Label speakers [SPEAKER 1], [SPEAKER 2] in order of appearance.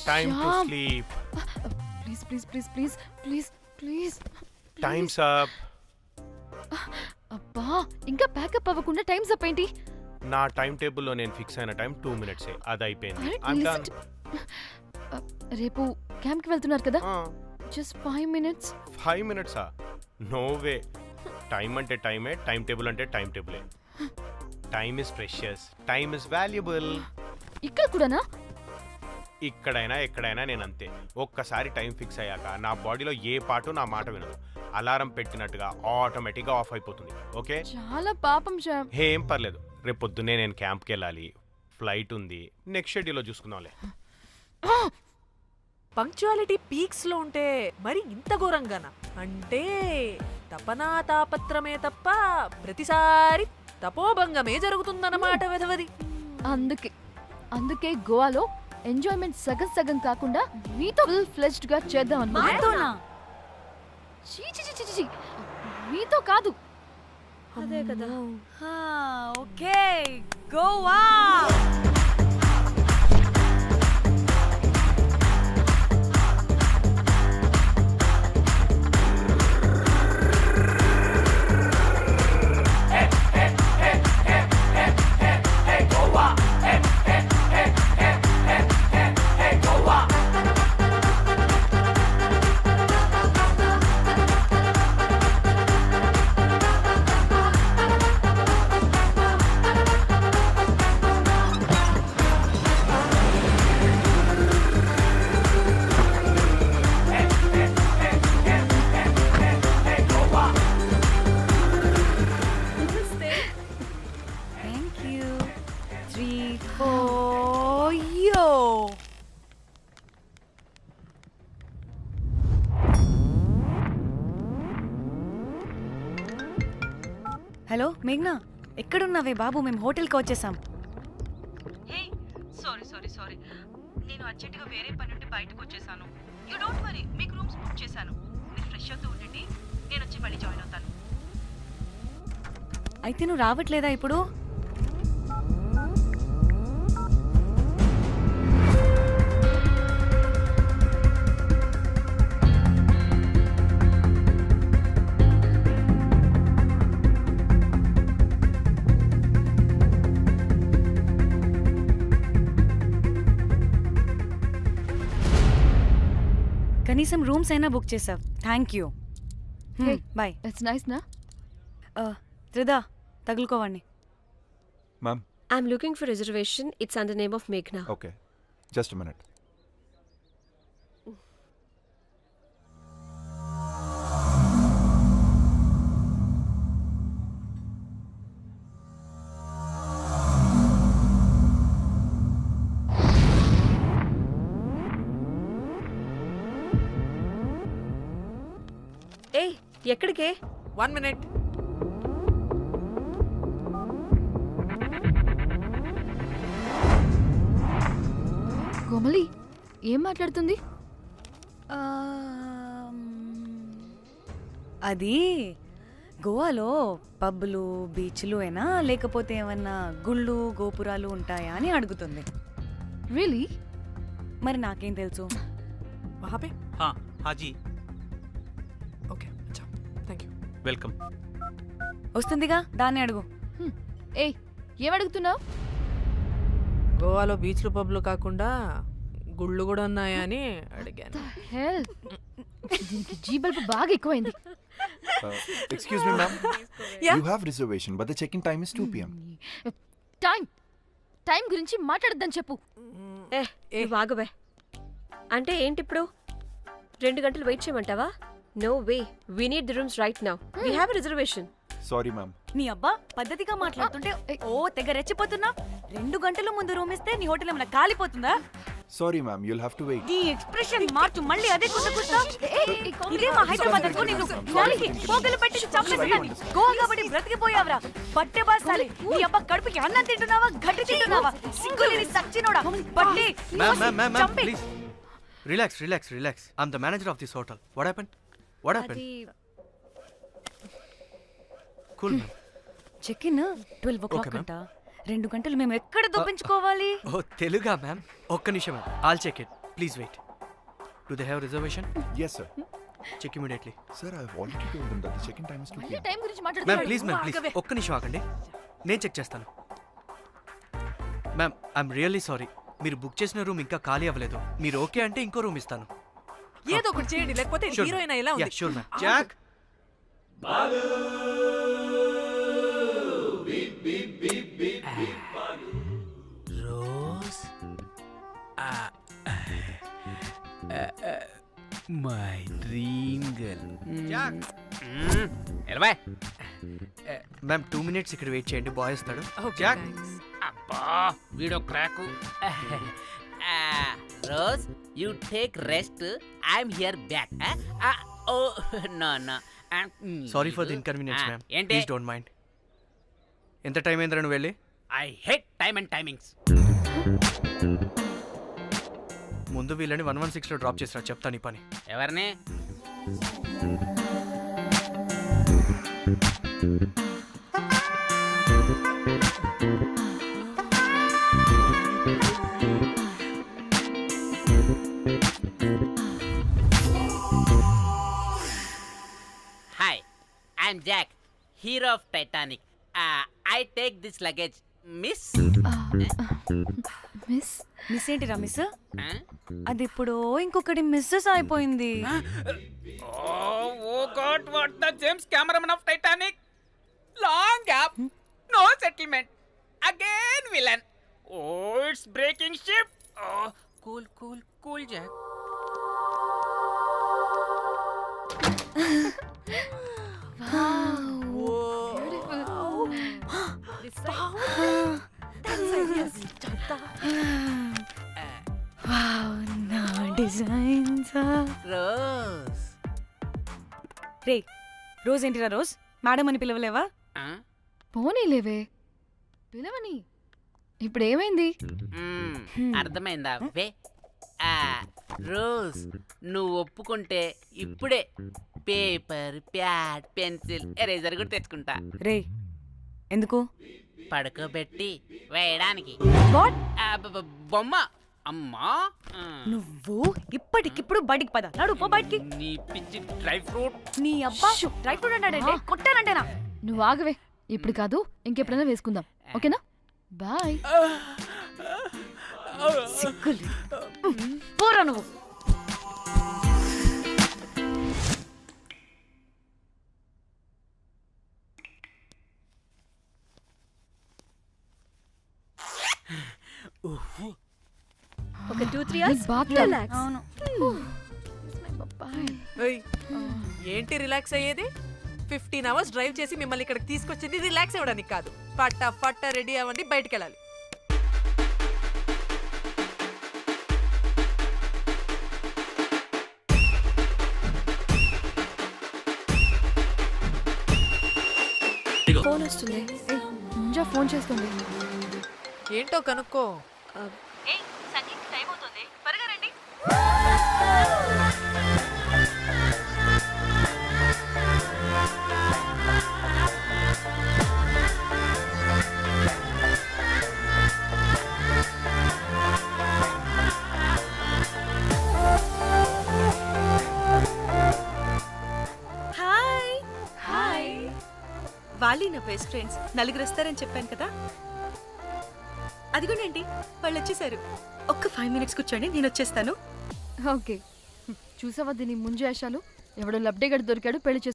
[SPEAKER 1] Time to sleep.
[SPEAKER 2] Please
[SPEAKER 1] Time's up.
[SPEAKER 2] అబ్బా ఇంకా pack up అవ్వకుండా టైమ్స్ అప్ ఏంటి?
[SPEAKER 1] నా టైం టేబుల్లో నేను ఫిక్స్ అయిన టైం 2 minutes. అది అయిపోయింది. I'm done.
[SPEAKER 2] రేపు క్యాంప్ కి వెళ్తున్నారు కదా? Just 5 minutes.
[SPEAKER 1] 5 minutes? No way. Time అంటే టైమే, టైం టేబుల్ అంటే టైం టేబులే. Time is precious, time is valuable.
[SPEAKER 2] ఇక్కడ కూడానా?
[SPEAKER 1] ఇక్కడైనా ఎక్కడైనా నేను అంతే. ఒక్కసారి టైం ఫిక్స్ అయ్యాక నా బాడీలో ఏ పాటు నా మాట వినదు. అలారం పెట్టినట్టుగా ఆటోమేటిక్గా ఆఫ్ అయిపోతుంది. ఓకే,
[SPEAKER 2] చాలా పాపం శ్యామ్.
[SPEAKER 1] ఏం పర్లేదు, రేపు పొద్దున్నే నేను క్యాంప్కి వెళ్ళాలి, ఫ్లైట్ ఉంది. నెక్స్ట్ షెడ్యూల్లో చూసుకుందాంలే.
[SPEAKER 3] పంక్చువాలిటీ పీక్స్ లో ఉంటే మరి ఇంత ఘోరంగానా? అంటే తపనా తాపత్రమే తప్ప ప్రతిసారి తపోభంగమే జరుగుతుందన్నమాట వెధవది.
[SPEAKER 2] అందుకే గోవాలో ఎంజాయ్మెంట్ సగం సగం కాకుండా మీతో ఫుల్ ఫ్లెజ్డ్ గా చేద్దాం అనుకున్నా. మీతో కాదు.
[SPEAKER 4] అదే కదా. ఓకే, గోవా.
[SPEAKER 5] హలో మేఘ్నా, ఎక్కడున్నావే బాబు? మేము హోటల్కి వచ్చేసాం.
[SPEAKER 6] సారీ నేను అర్జెంటుగా వేరే పని నుండి బయటకు వచ్చేసాను. యూ డోంట్ వరీ, మీకు రూమ్స్ బుక్ చేశాను. మీరు ఫ్రెష్ అవుతూ ఉండండి, నేను వచ్చి మళ్ళీ జాయిన్ అవుతాను.
[SPEAKER 5] అయితే నువ్వు రావట్లేదా ఇప్పుడు? కనీసం రూమ్స్ అయినా బుక్ చేసావు, thank you. Bye.
[SPEAKER 2] It's nice నా?
[SPEAKER 5] త్రిదా, తగులుకోవండి.
[SPEAKER 7] Ma'am.
[SPEAKER 4] I'm looking for reservation. It's under name of Meghna.
[SPEAKER 7] Okay. Just a minute.
[SPEAKER 4] ఏయ్, ఎక్కడికే?
[SPEAKER 3] 1 minute.
[SPEAKER 2] కోమలి ఏం మాట్లాడుతుంది?
[SPEAKER 5] అది గోవాలో పబ్బులు బీచ్లు అయినా లేకపోతే ఏమన్నా గుళ్ళు గోపురాలు ఉంటాయా అని అడుగుతుంది.
[SPEAKER 2] రియలీ?
[SPEAKER 5] మరి నాకేం తెలుసు?
[SPEAKER 3] वहाँ पे?
[SPEAKER 8] हाँ जी,
[SPEAKER 3] ओके, अच्छा, थैंक यू.
[SPEAKER 8] वेलकम.
[SPEAKER 5] వస్తుందిగా, దాన్ని అడుగు.
[SPEAKER 2] ఏయ్, ఏం అడుగుతున్నావు?
[SPEAKER 3] గోవాలో బీచ్లు పబ్లు కాకుండా గుళ్ళు కూడా ఉన్నాయా అని అడిగాను.
[SPEAKER 2] హెల్, దీనికి జీబల్బ్ బాగా ఎక్కువైంది.
[SPEAKER 7] Excuse me, ma'am.
[SPEAKER 3] Yeah?
[SPEAKER 7] You have reservation, but the check-in time is 2 p.m.
[SPEAKER 2] Time గురించి మాట్లాడద్దని చెప్పు.
[SPEAKER 4] నువ్వు ఆగువే. అంటే ఏంటి ఇప్పుడు? 2 గంటలు వెయిట్ చేయమంటావా? No way, we need the rooms right now. We have reservation.
[SPEAKER 7] Sorry, ma'am.
[SPEAKER 5] నీ అబ్బా పద్ధతిగా మాట్లాడుతుంటే ఓ తెగ రెచ్చిపోతున్నా. 2 గంటల ముందు రూమ్ ఇస్తే నీ హోటల్ ఏమైనా కాలిపోతుందా?
[SPEAKER 7] Sorry, ma'am. You'll have to wait.
[SPEAKER 5] నీ ఎక్స్ప్రెషన్ మార్చు, మళ్ళీ అదే కుసకుస్తా. ఇదే మా హైదరాబాద్ అనుకో, నేను నాలికి పోగలు పెట్టి చంపేస్తాను. గోవా కాబట్టి బ్రతికిపోయావరా పట్టె బాసాలి. నీ అబ్బా కడుపుకి అన్నం తింటున్నావా, గడ్డి తింటున్నావా? సింగులేని సచ్చినోడా పట్టి.
[SPEAKER 8] Ma'am, please. Relax. I'm the manager of this hotel. What happened?
[SPEAKER 4] అది
[SPEAKER 8] Cool, ma'am.
[SPEAKER 5] Check in 12 o'clock
[SPEAKER 8] Okay, ma'am.
[SPEAKER 5] అంట. 2 గంటలు మేము ఎక్కడ దొప్పించుకోవాలి?
[SPEAKER 8] ఓ తెలుగా మ్యామ్? ఒక్క నిమిషం ma'am, all check it Please wait. Do they have reservation?
[SPEAKER 7] Yes, sir.
[SPEAKER 8] Check immediately.
[SPEAKER 7] Sir, I've already told them that the check-in time is 2
[SPEAKER 2] మళ్ళీ
[SPEAKER 7] p.m.
[SPEAKER 2] Time గురించి
[SPEAKER 8] ma'am
[SPEAKER 2] మాట్లాడుతున్నాడు
[SPEAKER 8] please ఒక్క నిమిషం ఆగండి, నేను చెక్ చేస్తాను. మ్యామ్ ఐఎమ్ రియల్లీ సారీ, మీరు book చేసిన రూమ్ ఇంకా ఖాళీ అవ్వలేదు. మీరు ఓకే అంటే ఇంకో రూమ్ ఇస్తాను.
[SPEAKER 3] ఏదో ఒకటి చేయండి, లేకపోతే హీరోయిన్ ఎలా ఉంది?
[SPEAKER 8] Sure ma'am. Jack
[SPEAKER 9] Rose my dream girl.
[SPEAKER 8] Jack
[SPEAKER 9] ఎలవా
[SPEAKER 8] మ్యామ్ 2 minutes ఇక్కడ వెయిట్ చేయండి, బాయ్ వస్తాడు.
[SPEAKER 3] Okay,
[SPEAKER 8] Jack
[SPEAKER 3] thanks.
[SPEAKER 9] అబ్బా వీడో క్రాకు. Rose you take rest, I'm here back. Oh no no
[SPEAKER 8] sorry for the inconvenience ma'am,
[SPEAKER 9] ఏంటి?
[SPEAKER 8] Please don't mind. ఎంత time అయిందిరా నువ్వు వెళ్ళి?
[SPEAKER 9] I hate time and timings.
[SPEAKER 8] ముందు వీళ్ళని 116లో డ్రాప్ చేసినా, చెప్తాను ఈ పని.
[SPEAKER 9] ఎవరిని? Hi, I'm Jack, hero of Titanic. I take this luggage miss.
[SPEAKER 2] Miss
[SPEAKER 5] miss ఏంటిరా మిస్? అది ఇప్పుడు ఇంకొకటి మిస్సెస్ అయిపోయింది.
[SPEAKER 9] Oh God, what the James Cameron of Titanic? Long gap, no settlement. Again villain. Oh, it's breaking ship. Oh, cool, Jack.
[SPEAKER 5] నా designs.
[SPEAKER 9] Rose.
[SPEAKER 5] రే Rose ఏంటిరా Rose? Madam అని పిలవలేవా?
[SPEAKER 2] పోనీలేవే పిలవని. ఇప్పుడు ఏమైంది?
[SPEAKER 9] అర్థమైందా? వే రోజ్, నువ్వు ఒప్పుకుంటే ఇప్పుడే పేపర్, ప్యాడ్, పెన్సిల్, ఎరేజర్ కూడా తెచ్చుకుంటా.
[SPEAKER 5] రే ఎందుకు?
[SPEAKER 9] పడుకోబెట్టి వేయడానికి.
[SPEAKER 5] వాట్?
[SPEAKER 9] బొమ్మ. అమ్మా,
[SPEAKER 5] నువ్వు ఇప్పటికిప్పుడు బయటికి పద. నడు పో బయటికి.
[SPEAKER 9] నీ పిచ్చి డ్రై ఫ్రూట్.
[SPEAKER 5] నీ అబ్బా డ్రై ఫ్రూట్ అన్నాడంటే కొట్టానంటేనా?
[SPEAKER 2] నువ్వు ఆగవే, ఇప్పుడు కాదు ఇంకెప్పుడైనా వేసుకుందాం, ఓకేనా? బాయ్.
[SPEAKER 5] సిగ్గులు పోరా నువ్వు.
[SPEAKER 4] ఒక 2-3 hours
[SPEAKER 2] బాత్
[SPEAKER 4] relax.
[SPEAKER 5] అవును.
[SPEAKER 3] ఏయ్, ఏంటి రిలాక్స్ అయ్యేది? 15 hours డ్రైవ్ చేసి మిమ్మల్ని ఇక్కడికి తీసుకొచ్చింది రిలాక్స్ అవ్వడానికి కాదు. ఫట్ట రెడీ అవ్వండి, బయటికి వెళ్ళాలి.
[SPEAKER 4] ఫోన్ వస్తుంది.
[SPEAKER 2] ముంజా ఫోన్ చేస్తుంది.
[SPEAKER 3] ఏంటో కనుక్కో.
[SPEAKER 6] ఏయ్ సంగీత్ టైం అవుతుంది, త్వరగా రండి.
[SPEAKER 5] Hi hi.
[SPEAKER 6] వాళ్ళీ నా బెస్ట్ ఫ్రెండ్స్, నలుగురు వస్తారని చెప్పాను కదా. అదిగోనండి వాళ్ళు వచ్చేసారు. ఒక్క 5 minutes కూర్చోండి, నేను వచ్చేస్తాను.
[SPEAKER 2] ఓకే, చూసావా దీని ముంజేషాలు? ఎవడో లబ్డేగడ్ దొరికాడు, పెళ్లి